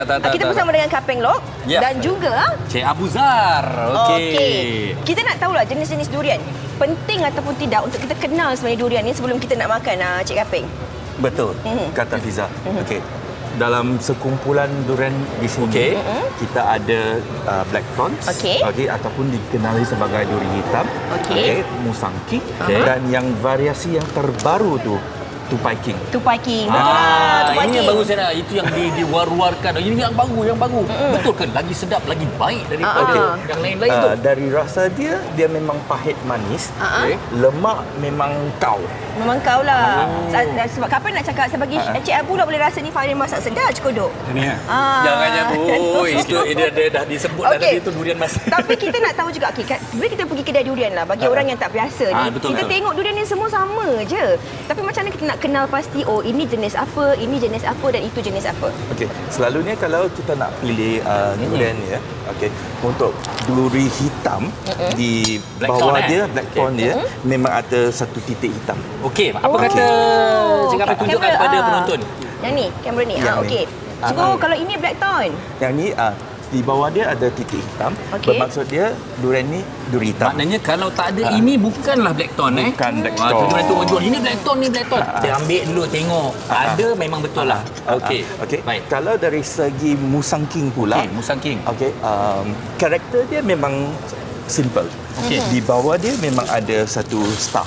Kita bersama dengan Kapeng Lok dan juga Cik Abu Zar. Okey. Kita nak tahulah jenis-jenis durian. Penting ataupun tidak untuk kita kenal sebenarnya durian ni sebelum kita nak makan, Cik Kapeng. Betul, kata Fiza. Okey. Dalam sekumpulan durian di sini, kita ada black thorns, ataupun dikenali sebagai duri hitam, musangking, dan yang variasi yang terbaru tu tupai king. Tupai king. Betul lah. Tupai Ini king. yang bagus saya nak. Itu yang diwar-warkan. Ini yang baru. Betul ke? Lagi sedap, lagi baik daripada yang lain-lain tu. Dari rasa dia memang pahit manis. Lemak memang kau. Memang kau lah. Sebab Kapeng nak cakap, saya bagi Cik Abu dah boleh rasa ni Farin masak sedap cekodok. Ini ya. Jangan Bu. Itu dia dah disebut tadi itu durian mas. Tapi kita nak tahu juga, bila kita pergi kedai durian lah, bagi orang yang tak biasa ni, kita tengok durian ni semua sama je. Tapi macam mana kita nak kenal pasti, oh ini jenis apa, ini jenis apa dan itu jenis apa? Okey, selalunya kalau kita nak pilih durian ni untuk duri hitam di bawah dia, black thorn dia memang ada satu titik hitam. Okey, apa kata Cik Kapeng tunjukkan kepada penonton? Yang ni, kamera ni. Okey. So kalau ini black thorn. Yang ni di bawah dia ada titik hitam. Bermaksud dia durian ni duri hitam. Maknanya kalau tak ada ini bukanlah black thorn Bukan black thorn. Orang tu jual ini black thorn, ni black thorn. Dia ambil dulu tengok. Ada memang betul lah. Okey. Baik. Kalau dari segi musangking pula. Musangking. Karakter dia memang simple. Di bawah dia memang ada satu star.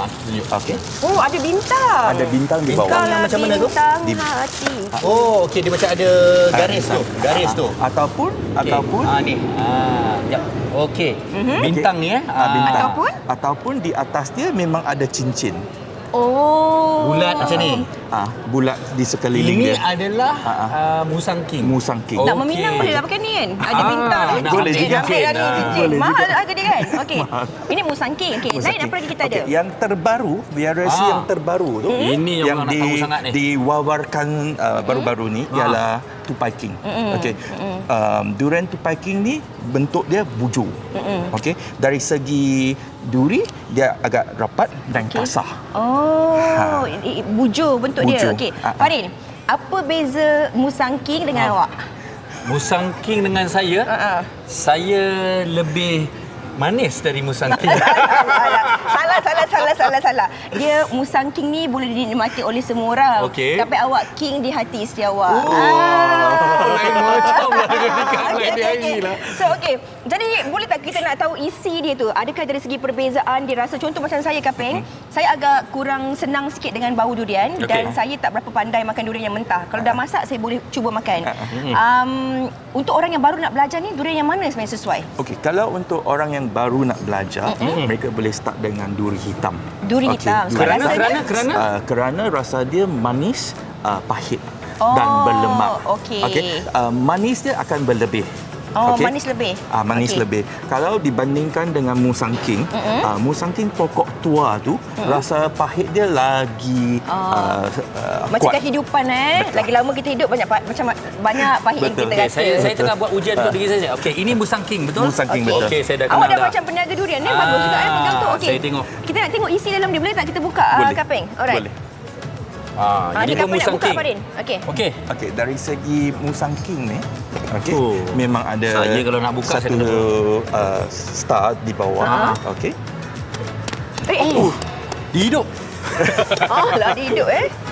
Oh, ada bintang. Ada bintang di bawah. Bintang yang macam mana tu? Bintang hati. Oh, okey, dia macam ada garis tu. Garis tu. Ataupun ni. Jap. Okey. Bintang ni bintang. Ataupun di atas dia memang ada cincin. Oh. Bulat macam ni. Bulat di sekeliling dia. Ini adalah musangking. Musangking. Nak meminang boleh lah pakai ni kan? Ada bintang. Boleh juga. Cincin. Mahal harga dia kan? Okey. Ini musangking. Okey. Lain apa lagi kita ada? Yang terbaru, variasi yang terbaru tu. Ini yang nak tahu sangat ni. Diwawarkan baru-baru ni ialah tupai king. Durian tupai king ni bentuk dia bujur. Dari segi duri dia agak rapat dan kasar. Bujur bentuk dia. Okey. Farin, apa beza musangking dengan awak? Musangking dengan saya, saya lebih manis dari musangking. Salah. Dia musangking ni boleh dinikmati oleh semua orang. Tapi awak king di hati isteri awak. Lain macam lah dia. So jadi boleh tak kita nak tahu isi dia tu? Adakah dari segi perbezaan dia rasa? Contoh macam saya Kapeng, saya agak kurang senang sikit dengan bau durian dan saya tak berapa pandai makan durian yang mentah. Kalau dah masak saya boleh cuba makan. Untuk orang yang baru nak belajar ni, durian yang mana sebenarnya sesuai? Kalau untuk orang yang baru nak belajar, mereka boleh start dengan duri hitam. Duri hitam. Kerana rasa dia manis, pahit dan berlemak. Manis dia akan berlebih. Manis lebih. Manis lebih. Kalau dibandingkan dengan musangking, musangking pokok tua tu rasa pahit dia lagi macam kuat. kehidupan Lagi lama kita hidup banyak pahit yang kita rasa. Saya tengah buat ujian untuk diri saya. Okey, ini musangking betul? Musangking betul. Okey, saya dah kenal Awak dah macam peniaga durian ni. Bagus juga pegang tu. Okey. Saya tengok. Kita nak tengok isi dalam dia. Boleh tak kita buka Kapeng? Alright. Boleh. Ini pun musangking. Okey. Dari segi musangking ni, memang ada saya kalau nak buka satu star di bawah. Dihidup. Lah dihidup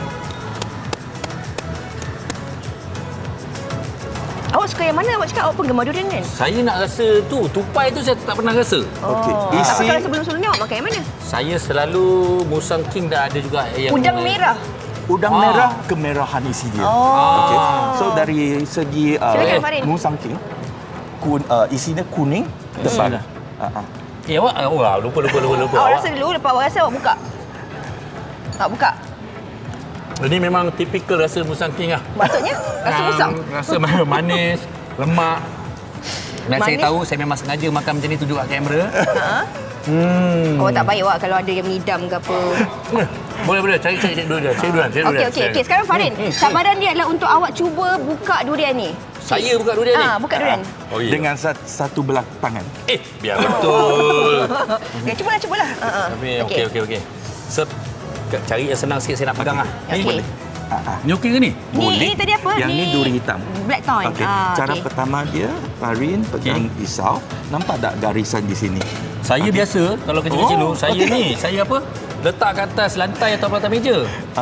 Awak suka yang mana? Awak cakap awak penggemar durian kan? Saya nak rasa tu, tupai tu saya tak pernah rasa. Tapi kalau sebelum-sebelumnya awak makan yang mana? Saya selalu musangking dan ada juga yang Udang merah. Udang merah, kemerahan isi dia. So dari segi musangking, isinya kuning, tebal. Awak lupa. Awak rasa dulu, lepas awak rasa awak buka. Awak buka. Ini memang tipikal rasa musangking lah. Maksudnya? Rasa musang? Rasa manis, lemak. Dan saya tahu saya memang sengaja makan macam ni tunjuk kat kamera. Awak tak baik awak kalau ada yang mengidam ke apa. Boleh. Cari dulu dia. Okey. Sekarang Farin, cabaran dia adalah untuk awak cuba buka durian ni. Saya buka durian ni? Buka durian. Dengan satu belah tangan. Biar betul. Cubalah. Okey. Cari yang senang sikit saya nak pegang lah. Okey. Ni okey ke ni? Ni tadi apa? Yang ni duri hitam. Blackthorn. Okey. Cara pertama dia, Farin pegang pisau. Nampak tak garisan di sini? Saya biasa kalau kecil-kecil dulu, saya apa? Letak kat atas lantai atau atas meja.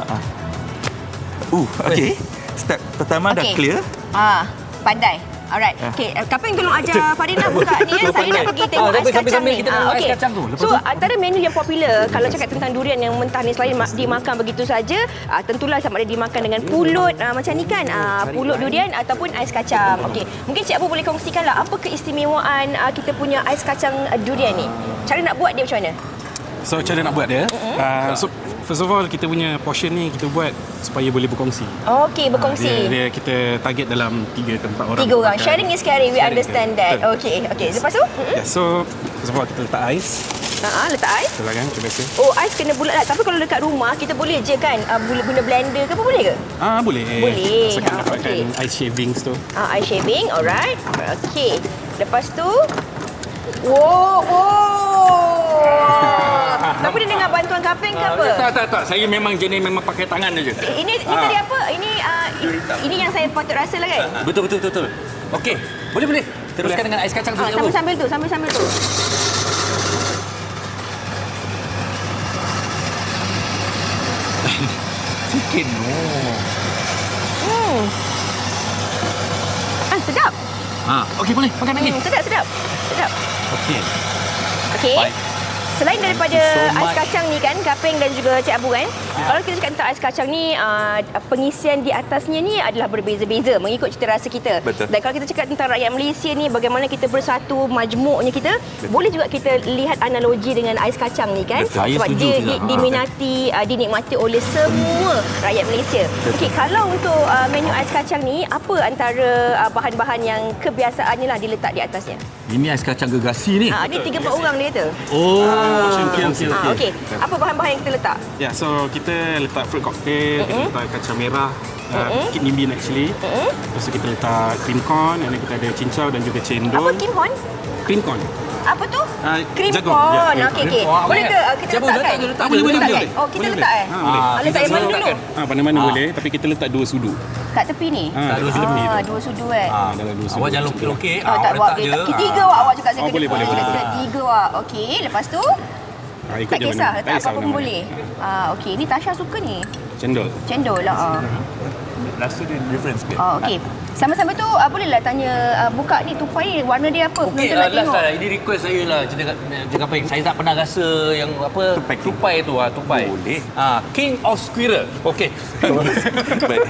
Okey. Step pertama dah clear. Pandai. Alright. Okey, Kaping tolong ajar Farin lah buka ni. Saya nak pergi tengok ais kacang sambil ni. kita tengok ais kacang tu. Lepas So, tu? antara menu yang popular kalau cakap tentang durian yang mentah ni selain dimakan begitu saja, tentulah sama ada dimakan dengan pulut macam ni kan, pulut durian ataupun ais kacang. Okey, mungkin Cik Abu boleh kongsikanlah apa keistimewaan kita punya ais kacang durian ni. Cara nak buat dia macam mana? So cara nak buat dia, so first of all kita punya portion ni kita buat supaya boleh berkongsi. Okey, berkongsi. Dia kita target dalam 3 ke 4 orang. 3 orang. Sharing is caring. We understand that. Betul. Okey. Lepas tu? Yeah, so first of all kita letak ais. Letak ais. Betul lah kan, macam biasa. Oh, ais kena bulat lah. Tapi kalau dekat rumah kita boleh je kan guna blender ke apa boleh ke? Boleh. Boleh. Asalkan dapatkan ice shavings tu. Ice shaving, alright. Okey. Lepas tu wow. Tapi dia dengan bantuan Kaping ke apa? Tak. Saya memang jenis memang pakai tangan aja. Ini tadi apa? Ini yang saya patut rasa lah kan? Betul. Okey, boleh. Teruskan dengan ais kacang tu. Sambil-sambil tu. Sikit Sedap. Okey boleh makan lagi. Sedap. Okey. Okey. Selain daripada ais kacang ni kan, Kaping dan juga Cik Abu kan, kalau kita cakap tentang ais kacang ni, pengisian di atasnya ni adalah berbeza-beza mengikut cita rasa kita. Betul. Dan kalau kita cakap tentang rakyat Malaysia ni, bagaimana kita bersatu, majmuknya kita, boleh juga kita lihat analogi dengan ais kacang ni kan. Betul. Saya Sebab setuju dia juga. diminati, dinikmati oleh semua rakyat Malaysia. Okey, kalau untuk menu ais kacang ni, apa antara bahan-bahan yang kebiasaannya lah diletak di atasnya? Ini ais kacang gegasi ni. Ni 3-4 orang dia kata. Okey. Apa bahan-bahan yang kita letak? Yeah, so kita letak fruit cocktail, kita letak kacang merah, kidney bean actually. Lepas tu kita letak cream corn, dan kita ada cincau dan juga cendol. Apa kimhon? Cream corn. Apa tu? Cream jagung. corn. Ya, Okey. Boleh ke kita letakkan? Boleh. Oh, kita letak letak yang mana dulu? Mana-mana boleh, tapi kita letak 2 sudu. Kat tepi ni? Dua sudu tepi tu. 2 sudu kan? Dalam 2 sudu. Awak jangan lokek-lokek. Tak Awak buat letak je. 3 awak cakap saya kena. Boleh. 3 awak. Okey, lepas tu Ikut tak je kisah, mana. letak apa pun mana. boleh. Okey, ni Tasha suka ni. Cendol. Lah. Rasa dia different sikit. Okey. Sama-sama tu bolehlah tanya buka ni tupai ni warna dia apa? Okey, Penonton nak last tengok. lah. Ini request saya lah. Cakap apa? Saya tak pernah rasa yang apa tupai tu. Tupai. Boleh. King of Squirrel. Okey. Baik.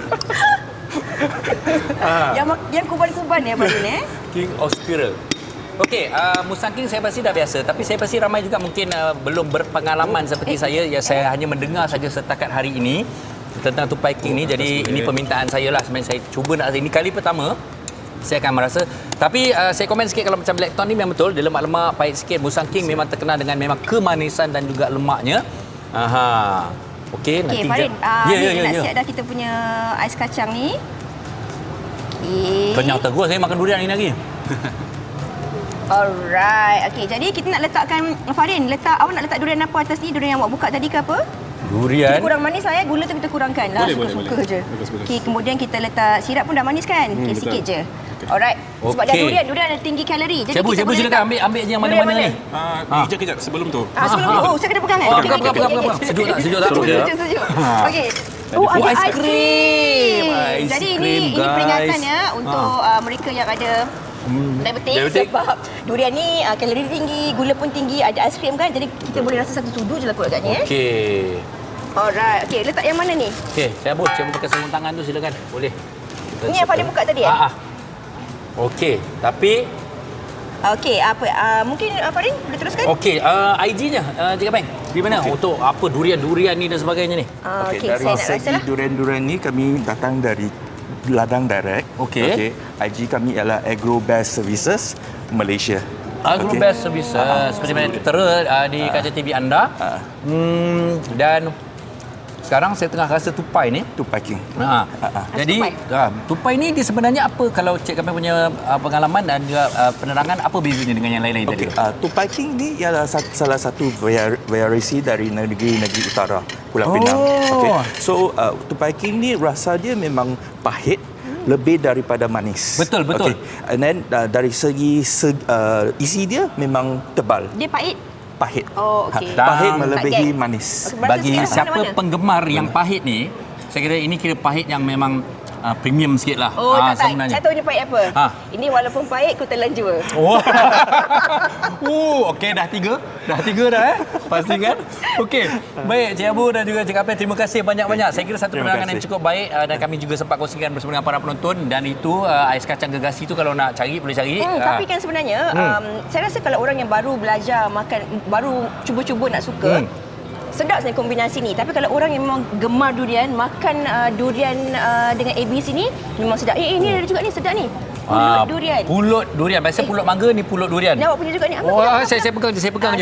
Yang kuban-kuban ya Farin King of Squirrel. Okey, Musang King saya pasti dah biasa, tapi saya pasti ramai juga mungkin belum berpengalaman seperti saya. Ya, saya hanya mendengar saja setakat hari ini tentang tupai King ni. Jadi ini permintaan saya lah. Sebenarnya saya cuba nak, ini kali pertama saya akan merasa. Tapi saya komen sikit, kalau macam Blackthorn ni memang betul, dia lemak-lemak, pahit sikit. Musang King memang terkenal dengan memang kemanisan dan juga lemaknya. Okey, nanti Farin, ya. nak siap dah kita punya ais kacang ni. Okey. Kenyang terus saya makan durian ni lagi. Alright. Okey, jadi kita nak letakkan Farin, awak nak letak durian apa atas ni? Durian yang awak buka tadi ke apa? Durian. Kita kurang manis lah ya. Gula tu kita kurangkan lah. Suka-suka je. Bagus. Okey, kemudian kita letak sirap pun dah manis kan? Okey, betul. sikit je. Alright. Sebab dah Okey. durian ada tinggi kalori. Jadi Cikgu kita boleh silakan letak ambil je yang durian mana-mana ni. Kejap sebelum tu. Sebelum ni. Oh, saya kena pegang kan? Okey, Pegang. Sejuk tak? Sejuk. Okey. Ada ais krim. Ais Jadi krim, ini guys. peringatan ya untuk mereka yang ada diabetik, sebab durian ni kalori tinggi, gula pun tinggi, ada ais krim kan. Jadi kita boleh rasa satu sudu je lah kot agaknya. Okey. Alright. Okey, letak yang mana ni? Okey, saya pakai sarung tangan tu silakan. Boleh. Ini yang Farin buka tadi Okey, tapi okey, apa mungkin Farin boleh teruskan? okey, IG-nya Cik Kapeng. Di mana? Untuk apa durian-durian ni dan sebagainya ni? Okey, Dari saya nak rasa segi lah. durian-durian ni kami datang dari ladang direct. Okey. IG kami ialah Agrobest Services Malaysia. Agrobest Services seperti mana tertera di kaca TV anda. Dan sekarang saya tengah rasa tupai ni. Tupai king. Jadi tupai ni dia sebenarnya apa, kalau Cik Kaping punya pengalaman dan juga penerangan, apa bezanya dengan yang lain-lain tadi? Tupai king ni ialah salah satu variasi dari negeri-negeri utara Pulau Pinang. So tupai king ni rasa dia memang pahit, lebih daripada manis. Betul. And then dari segi isi dia memang tebal. Dia pahit. Pahit. Oh, okey. Pahit melebihi manis. Bagi siapa penggemar yang pahit ni, saya kira ini kira pahit yang memang premium sikit lah. Oh, tak. Sebenarnya. Saya tahu dia pahit apa. Ini walaupun pahit, ku telan jua. Okey, dah tiga dah pastikan. Okey, baik Cik Abu dan juga Cik Kaping, terima kasih banyak-banyak. Saya kira satu penerangan yang cukup baik dan kami juga sempat kongsikan bersama dengan para penonton, dan itu ais kacang gegasi tu kalau nak cari boleh cari. Tapi kan sebenarnya saya rasa kalau orang yang baru belajar makan, baru cuba-cuba nak suka, sedap sebenarnya kombinasi ni. Tapi kalau orang yang memang gemar durian, makan durian dengan ABC ni memang sedap. Ini ada juga ni, sedap ni. Pulut durian. Pulut durian. Biasa pulut mangga, ni pulut durian. Ni awak punya juga ni. Saya pegang je.